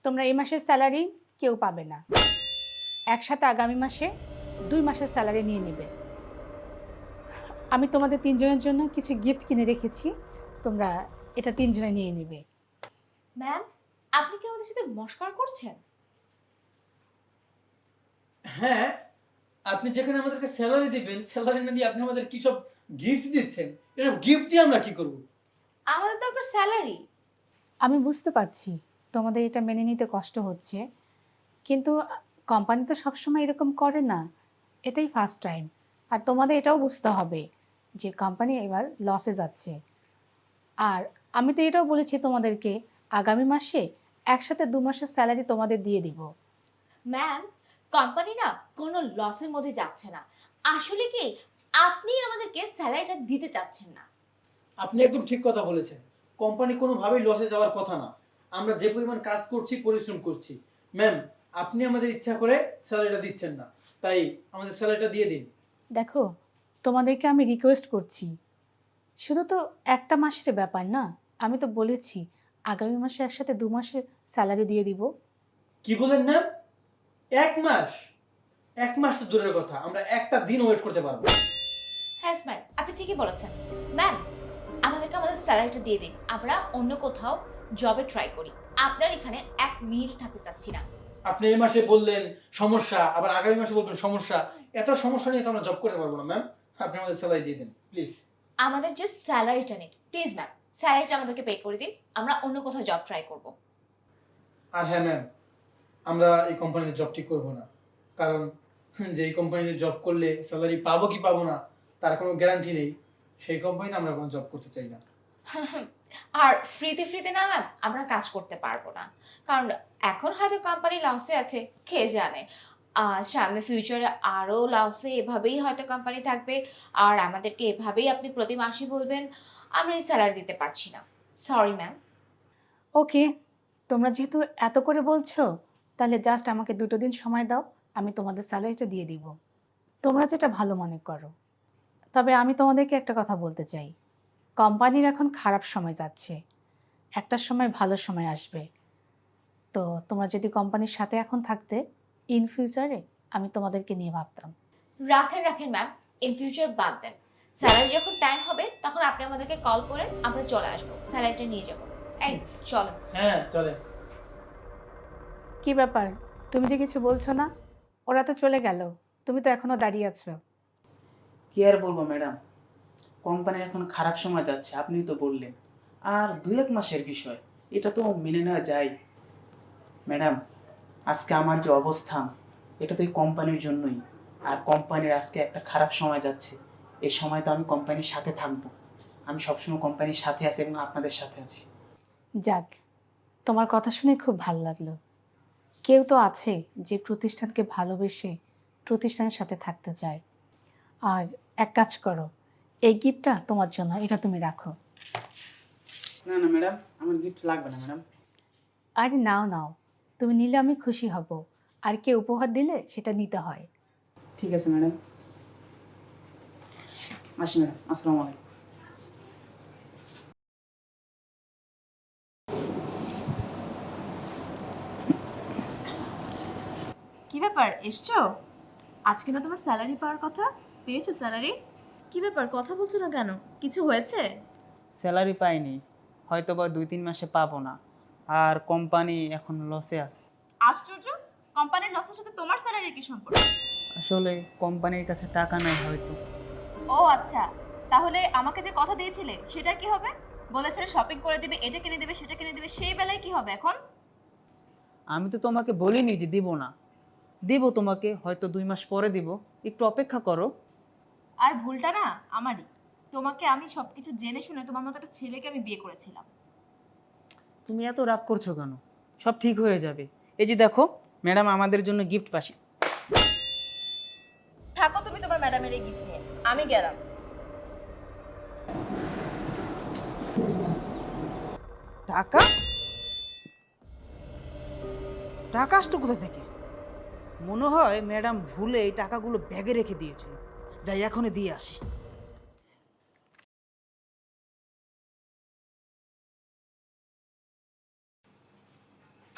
তোমরা এই মাসের স্যালারি কেউ পাবে না, একসাথে আগামী মাসে 2 মাসের স্যালারি নিয়ে নেবে। আমি তোমাদের তিনজনের জন্য কিছু গিফট কিনে রেখেছি, তোমরা এটা তিনজনে নিয়ে নেবে। ম্যাম, আপনি কি আমাদের সাথে মশকরা করছেন? হ্যাঁ, আপনি যেখানে আমাদেরকে স্যালারি দিবেন, স্যালারি না দিয়ে আপনি আমাদের কি সব গিফট দিচ্ছেন? এসব গিফট দিয়ে আমরা কি করব? আমাদের দরকার স্যালারি। আমি বুঝতে পারছি তোমাদের এটা মেনে নিতে কষ্ট হচ্ছে, কিন্তু কোম্পানি তো সবসময় এরকম করে না, এটাই ফার্স্ট টাইম। আর তোমাদের এটাও বুঝতে হবে যে কোম্পানি এবার লসে যাচ্ছে। আর আমি তো এটাও বলেছি তোমাদেরকে আগামী মাসে একসাথে 2 মাসের স্যালারি তোমাদের দিয়ে দিব। ম্যাম, কোম্পানি না কোনো লসের মধ্যে যাচ্ছে না। আসলে কি আপনি আমাদেরকে স্যালারিটা দিতে চাচ্ছেন না। আপনি একদম ঠিক কথা বলেছেন। কোম্পানি কোনোভাবেই লসে যাওয়ার কথা না। আমরা যে পরিমাণ কাজ করছি, পরিশ্রম করছি। ম্যাম, আপনি আমাদের ইচ্ছা করে স্যালারিটা দিচ্ছেন না। তাই আমাদের স্যালারিটা দিয়ে দিন। দেখো, তোমাদেরকে আমি রিকোয়েস্ট করছি, শুধু তো একটা মাসের ব্যাপার না। আমি তো বলেছি আগামী মাসে একসাথে 2 মাসের স্যালারি দিয়ে দিব। কি বলেন ম্যাম? ১ মাস? ১ মাস তো দূরের কথা। আমরা একটা দিন ওয়েট করতে পারবো না। হ্যাঁ ম্যাম, আপনি ঠিকই বলেছেন। ম্যাম, আমাদেরকে আমাদের স্যালারিটা দিয়ে দিন, আমরা অন্য কোথাও জবে ট্রাই করি। আপনার এখানে 1 মিনিট থাকতে চাচ্ছি না। আপনি এই মাসে বললেন সমস্যা, আবার আগামী মাসে বলবেন সমস্যা। এত সমস্যা নিয়ে তো আমরা জব করতে পারবো না ম্যাম। আপনি আমাদের স্যালারি দিয়ে দিন, প্লিজ। আমাদের যে স্যালারিটা নিন প্লিজ ম্যাম, স্যালারিটা আমাদেরকে পে করে দিন, আমরা অন্য কোথাও জব ট্রাই করব। আর হ্যাঁ ম্যাম, আমরা এই কোম্পানিতে জব ঠিক করবো না। কারণ যে এই কোম্পানিতে জব করলে স্যালারি পাবো কি পাবো না তার কোনো গ্যারান্টি নেই। সেই কোম্পানিতে আমরা কোনো জব করতে চাই না। আর ফ্রিতে ফ্রিতে না ম্যাম আমরা কাজ করতে পারবো না, কারণ এখন হয়তো কোম্পানি লসে আছে, কে জানে সামনে ফিউচারে আরো লসে এভাবেই হয়তো কোম্পানি থাকবে। আর আমাদেরকে এভাবেই আপনি প্রতি মাসে বলবেন, আমরা এই স্যালারি দিতে পারছি না। Sorry ma'am. ওকে, তোমরা যেহেতু এত করে বলছো, তাহলে জাস্ট আমাকে 2 দিন সময় দাও, আমি তোমাদের স্যালারিটা দিয়ে দিব। তোমরা যেটা ভালো মনে করো। তবে আমি তোমাদেরকে একটা কথা বলতে চাই, কোম্পানির এখন খারাপ সময় যাচ্ছে, একটা সময় ভালো সময় আসবে। তো তোমরা যদি কোম্পানির সাথে এখন থাকতে, ইন ফিউচারে আমি তোমাদেরকে নিয়ে ভাবতাম। রাখেন রাখেন ম্যাম, ইন ফিউচার বাদ দেন। স্যালারি যখন টাইম হবে তখন আপনি আমাদেরকে কল করেন, আমরা চলে আসবো, স্যালারিটা নিয়ে যাবো। এই চলেন। হ্যাঁ, চলে। কি ব্যাপার, তুমি যে কিছু বলছো না? ওরা তো চলে গেল, তুমি তো এখনো দাঁড়িয়ে আছো। কি আর বলবো ম্যাডাম, কোম্পানির এখন খারাপ সময় যাচ্ছে, আপনিই তো বললেন। আর 2-1 মাসের বিষয়, এটা তো মেনে নেওয়া যায়। ম্যাডাম, আজকে আমার যে অবস্থান, এটা তো এই কোম্পানির জন্যই। আর কোম্পানির আজকে একটা খারাপ সময় যাচ্ছে, এই সময় তো আমি কোম্পানির সাথে থাকবো। আমি সবসময় কোম্পানির সাথে আছি এবং আপনাদের সাথে আছি। যাক, তোমার কথা শুনে খুব ভালো লাগলো। কেউ তো আছে যে প্রতিষ্ঠানকে ভালোবেসে প্রতিষ্ঠানের সাথে থাকতে চায়। আর এক কাজ করো, এই গিফটটা তোমার জন্য, এটা তুমি রাখো। না না ম্যাডাম, আমার গিফট লাগবে না ম্যাডাম। আরে নাও নাও, তুমি নিলে আমি খুশি হব। আর কে উপহার দিলে সেটা নিতে হয়। ঠিক আছে ম্যাডাম, আসি ম্যাডাম, আসসালামু আলাইকুম। কি ব্যাপার, এসছো? আজকে না তোমার স্যালারি পাওয়ার কথা, পেয়েছো স্যালারি? কি ব্যাপার, কথা বলছো না কেন? কিছু হয়েছে? স্যালারি পাইনি, হয়তো বা 2-3 মাসে পাবো না। আর কোম্পানি এখন লসে আছে। আশ্চর্য, কোম্পানির লসের সাথে তোমার স্যালারির কি সম্পর্ক? আসলে কোম্পানির কাছে টাকা নাই হয়তো। ও আচ্ছা, তাহলে আমাকে যে কথা দিয়েছিলে সেটা কি হবে? বলেছিলে শপিং করে দিবে, এটা কিনে দিবে, সেটা কিনে দিবে, সেই বেলায় কি হবে এখন? আমি তো তোমাকে বলিনি যে দিব না, দিব তোমাকে, হয়তো 2 মাস পরে দিব, একটু অপেক্ষা করো। আর ভুলটা না আমারই। তোমাকে আমি সবকিছু জেনে শুনে তোমার মতো একটা ছেলেকে আমি বিয়ে করেছিলাম। তুমি এত রাগ করছো কেন? সব ঠিক হয়ে যাবে। এই যে দেখো ম্যাডাম, আমাদের জন্য গিফট পাশি। থাকো তুমি তোমার ম্যাডামের এই গিফট নিয়ে, আমি গেলাম। টাকা? টাকা আসতো কোথা থেকে? মনে হয় ম্যাডাম ভুলে এই টাকাগুলো ব্যাগে রেখে দিয়েছিল। যাই এখনই দিয়ে আসি।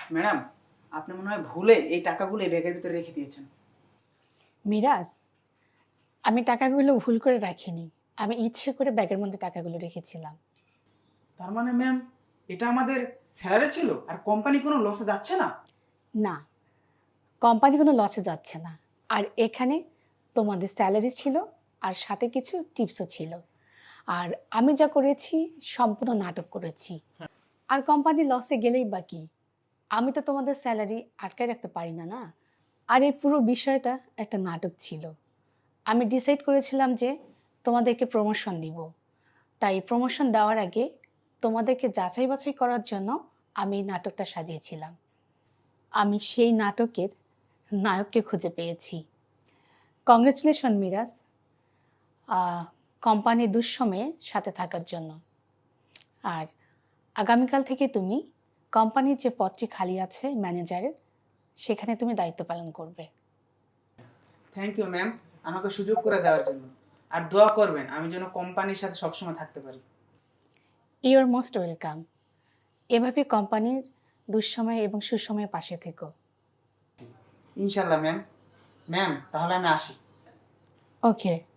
ম্যাডাম, আপনি মনে হয় ভুলে এই টাকাগুলো এই ব্যাগের ভিতরে রেখে দিয়েছেন। মিরাজ, আমি টাকাগুলো ভুল করে রাখিনি, আমি ইচ্ছে করে ব্যাগের মধ্যে টাকাগুলো রেখেছিলাম। তার মানে ম্যাম, এটা আমাদের স্যালারি ছিল আর কোম্পানি কোনো লসে যাচ্ছে না? না, কোম্পানি কোনো লসে যাচ্ছে না। আর এখানে তোমাদের স্যালারি ছিল আর সাথে কিছু টিপসও ছিল। আর আমি যা করেছি সম্পূর্ণ নাটক করেছি। আর কোম্পানি লসে গেলেই বা কি, আমি তো তোমাদের স্যালারি আটকায় রাখতে পারি না, না? আর এই পুরো বিষয়টা একটা নাটক ছিল। আমি ডিসাইড করেছিলাম যে তোমাদেরকে প্রমোশন দিব। তাই প্রমোশন দেওয়ার আগে তোমাদেরকে যাচাই বাছাই করার জন্য আমি এই নাটকটা সাজিয়েছিলাম। আমি সেই নাটকের নায়ককে খুঁজে পেয়েছি। কংগ্রেচুলেশন মিরাজ, কোম্পানির দুঃসময়ে সাথে থাকার জন্য। আর আগামীকাল থেকে তুমি কোম্পানির যে পদটি খালি আছে ম্যানেজারের, সেখানে তুমি দায়িত্ব পালন করবে। থ্যাংক ইউ ম্যাম, আমাকে সুযোগ করে দেওয়ার জন্য। আর দোয়া করবেন আমি যেন কোম্পানির সাথে সবসময় থাকতে পারি। Your most welcome. এভাবে কোম্পানির দুঃসময়ে এবং সুসময়ে পাশে থেকো। ইনশাল্লাহ ম্যাম। ম্যাম, তাহলে আমি আসি। ওকে।